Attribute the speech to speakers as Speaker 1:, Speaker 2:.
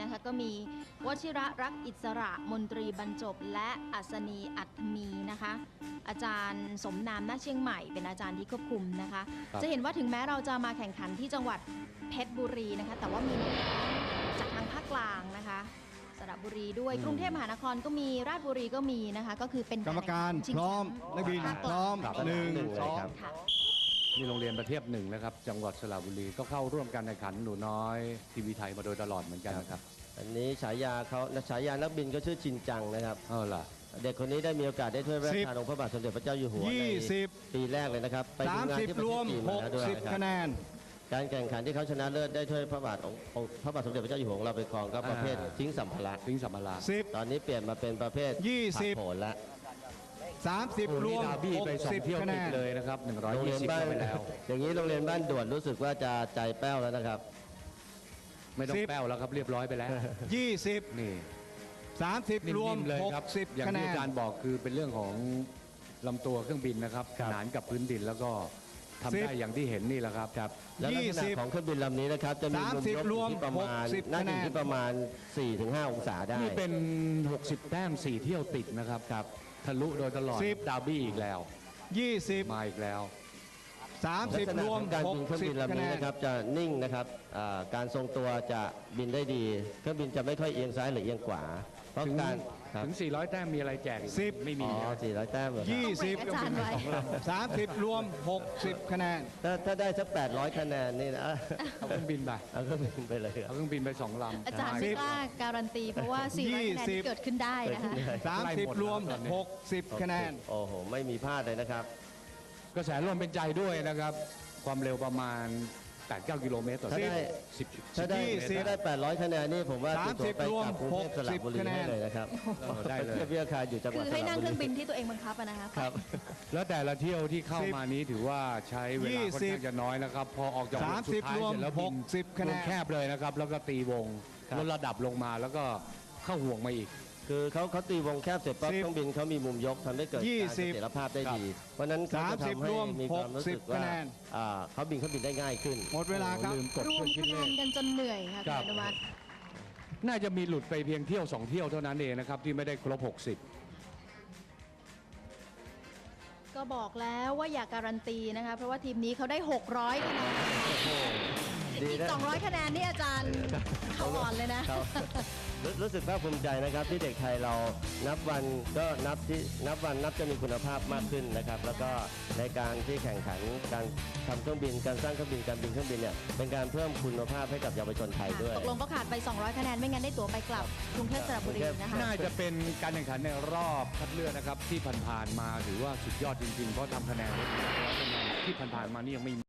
Speaker 1: นะคะก็มีวชิระรักอิสระมนตรีบรรจบและอัศนีอัตมีนะคะอาจารย์สมนามณเชียงใหม่เป็นอาจารย์ที่ควบคุมนะคะจะเห็นว่าถึงแม้เราจะมาแข่งขันที่จังหวัดเพชรบุรีนะคะแต่ว่ามีจากทางภาคกลางนะคะสระบุรีด้วยกรุงเทพมหานครก็มีราชบุรีก็มีนะคะก็คือเป็น
Speaker 2: กรรมการพร้อมนักบินพร้อม1 2
Speaker 3: นี่โรงเรียนประเทศหนึ่งนะครับจังหวัดสระบุรีก็เข้าร่วมการแข่งขันหนูน้อยทีวีไทยมาโดยตลอดเหมือนกันนะครับ
Speaker 4: อันนี้ฉายานักบินก็ชื่อชินจังนะครับ
Speaker 3: ล่ะ
Speaker 4: เด็กคนนี้ได้มีโอกาสได้ถ้วยพระราชทานองค์พระบาทสมเด็จพระเจ้าอยู่หัวในปีแรกเลยนะครับไปดูงานที่ประเทศจีนมาแล้วด้วยนะครับ
Speaker 2: คะแนน
Speaker 4: การแข่งขันที่เขาชนะเลิศได้ถ้วยพระบาทสมเด็จพระเจ้าอยู่หัวของเราไปครองก็ประเภททิ้งสัมภาระตอนนี้เปลี่ยนมาเป็นประเภท
Speaker 2: 20
Speaker 4: โผล่ละ
Speaker 2: 30รวม
Speaker 3: 60 คะแนนเลยนะครับ120ไปแล้ว
Speaker 4: อย่างนี้โรงเรียนบ้านด่วนรู้สึกว่าจะใจแป้วแล้วนะครับ
Speaker 3: ไม่ต้องแป้วแล้วครับเรียบร้อยไปแล้ว
Speaker 2: 20
Speaker 3: นี่
Speaker 2: 30รวม
Speaker 3: เลยครับอย่างที่อาจารย์บอกคือเป็นเรื่องของลำตัวเครื่องบินนะครับขนานกับพื้นดินแล้วก็ทำได้อย่างที่เห็นนี่แหละครับ
Speaker 4: และลักษณะของเครื่องบินลำนี้นะครับจะมีมุมยกที่ประมาณน่าจะที่ประมาณ 4-5 องศาได้
Speaker 3: นี่เป็น60 แต้ม4 เที่ยวติดนะครับทะลุโดยตลอดดาร์บี้อีกแล้ว
Speaker 2: 20
Speaker 3: มาอีกแล้ว
Speaker 2: 30รวม
Speaker 4: การบินเครื่องบินลำนี้นะครับจะนิ่งนะครับการทรงตัวจะบินได้ดีเครื่องบินจะไม่ค่อยเอียงซ้ายหรือเอียงขวาเพราะการ
Speaker 3: ถึง400 แต้มมีอะไรแจก
Speaker 2: 10
Speaker 3: ไม่มี
Speaker 4: 400 แต้มเหรอ
Speaker 2: 30รวม60 คะแนน
Speaker 4: ถ้าได้สัก800 คะแนนนี่นะ
Speaker 3: เอาเครื่องบินไป
Speaker 4: เอาเครื่องบินไปเลย
Speaker 3: เอาเครื่องบินไป2 ลำ
Speaker 1: อาจารย์ไม่กล้าการันตีเพราะว่า400 คะแนนที่เกิดขึ้นได้นะคะ
Speaker 2: 30รวม60 คะแนน
Speaker 4: โอ้โหไม่มีพลาดเลยนะครับ
Speaker 3: กระแสลมเป็นใจด้วยนะครับความเร็วประมาณ 8-9 กิโลเมตรต่อชั่วโมง
Speaker 4: ถ้าได้800 คะแนนนี่ผมว่าติดตัวไปกับกรุงเทพสระบุรีได้เลยนะครับ
Speaker 3: ได้เลย
Speaker 4: เทียบราคาอยู่จังหวัด
Speaker 1: คือให้นั่งเครื่องบินที่ตัวเองบังคับนะคะ
Speaker 4: ครับ
Speaker 3: แล้วแต่ละเที่ยวที่เข้ามานี้ถือว่าใช้เวลาค่อนข้างจะน้อยนะครับพอออกจากวงสุดท้ายเสร็จแล้วบินวงแคบเลยนะครับแล้วก็ตีวงลดระดับลงมาแล้วก็เข้าห่วงมาอีก
Speaker 4: คือเขาตีวงแคบเสร็จปั๊บเครื่องบินเขามีมุมยกทำให้เกิดการเสถียรภาพได้ดีเพราะนั้นเขาจะทำให้มีความรู้สึกว่าเขาบินได้ง่ายขึ้น
Speaker 2: หมดเวลาครับ
Speaker 1: รวมคะแนนกันจนเหนื่อยค่ะคุณอนุวัฒน์
Speaker 3: น่าจะมีหลุดไปเพียงเที่ยว2 เที่ยวเท่านั้นเองนะครับที่ไม่ได้ครบ
Speaker 1: 60ก็บอกแล้วว่าอย่าการันตีนะคะเพราะว่าทีมนี้เขาได้600 คะแนนอีก200 คะแนนนี่อาจารย์เขาอ่อนเลยนะ
Speaker 4: รู้สึกภาคภูมิใจนะครับที่เด็กไทยเรานับวันก็นับจะมีคุณภาพมากขึ้นนะครับแล้วก็ในการที่แข่งขันการทำเครื่องบินการสร้างเครื่องบินการบินเครื่องบินเนี่ยเป็นการเพิ่มคุณภาพให้กับเยาวชนไทยด้วย
Speaker 1: ตกลงก็ขาดไป200 คะแนนไม่งั้นได้ตั๋วไปกลับกรุงเทพสระบุรีนะคะ
Speaker 3: น่าจะเป็นการแข่งขันในรอบคัดเลือกนะครับที่ผ่านๆมาถือว่าสุดยอดจริงๆเพราะทำคะแนนที่ผ่านๆมานี่ยังไม่